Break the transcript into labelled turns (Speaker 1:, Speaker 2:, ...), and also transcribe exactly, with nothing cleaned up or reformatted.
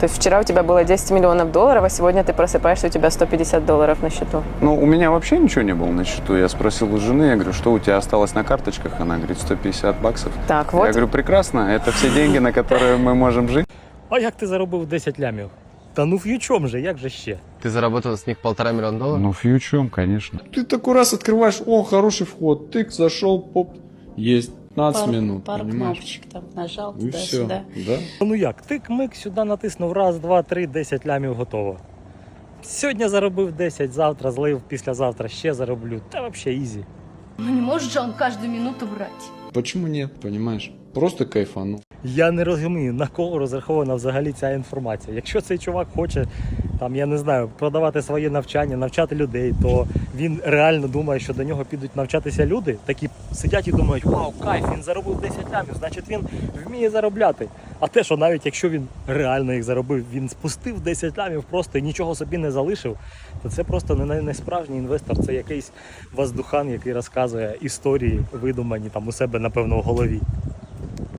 Speaker 1: То есть вчера у тебя было десять миллионов долларов, а сегодня ты просыпаешься, у тебя сто пятьдесят долларов на счету.
Speaker 2: Ну, у меня вообще ничего не было на счету. Я спросил у жены, я говорю, что у тебя осталось на карточках? Она говорит, сто пятьдесят баксов.
Speaker 1: Так, вот.
Speaker 2: Я говорю, прекрасно, это все деньги, на которые мы можем жить.
Speaker 3: А як ти заробив десять лямів? Та ну ф'ючом же, як же ще?
Speaker 4: Ты заработал с них полтора миллиона долларов?
Speaker 2: Ну, фьючом, конечно.
Speaker 5: Ты такой раз открываешь, о, хороший вход, тык, зашел, поп, есть пятнадцать
Speaker 6: Пару,
Speaker 5: минут,
Speaker 6: пару
Speaker 5: понимаешь?
Speaker 6: кнопочек там нажал
Speaker 5: И все,
Speaker 6: туда-сюда.
Speaker 5: да?
Speaker 3: Ну як, тик-мик, сюди натиснув, раз, два, три, десять лямів готово. Сьогодні заробив десять, завтра злив, післязавтра ще зароблю. Та взагалі ізі.
Speaker 7: Ну не может же он каждую минуту брать.
Speaker 5: Почему нет, понимаешь? Просто кайфану.
Speaker 3: Я не розумію, на кого розрахована взагалі ця інформація. Якщо цей чувак хоче, там, я не знаю, продавати своє навчання, навчати людей, то він реально думає, що до нього підуть навчатися люди, такі сидять і думають, вау, кайф, він заробив десять лямів, значить він вміє заробляти. А те, що навіть якщо він реально їх заробив, він спустив десять лямів просто і нічого собі не залишив, то це просто не, не справжній інвестор, це якийсь воздухан, який розказує історії, видумані там у себе, напевно, в голові.